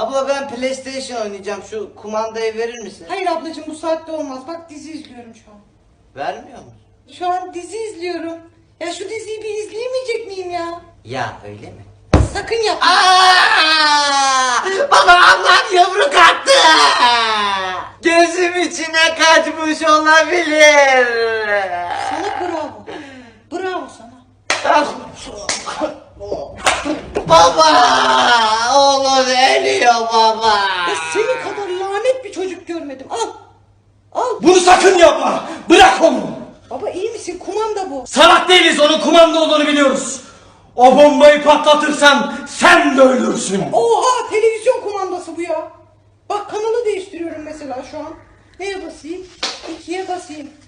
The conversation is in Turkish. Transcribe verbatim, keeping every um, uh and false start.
Abla ben PlayStation oynayacağım. Şu kumandayı verir misin? Hayır ablacığım bu saatte olmaz. Bak dizi izliyorum şu an. Vermiyor musun? Şu an dizi izliyorum. Ya şu diziyi bir izleyemeyecek miyim ya? Ya öyle mi? Sakın yapma. Aa! Baba ablam yumruk attı. Gözüm içine kaçmış olabilir. Sana bravo. Bravo sana. Baba! Oğlum ölüyor baba. Ya senin kadar lanet bir çocuk görmedim. Al. Al. Bunu sakın yapma. Bırak onu. Baba iyi misin? Kumanda bu. Salak değiliz, onun kumanda olduğunu biliyoruz. O bombayı patlatırsan sen de ölürsün. Oha televizyon kumandası bu ya. Bak kanalı değiştiriyorum mesela şu an. Neye basayım? İkiye basayım.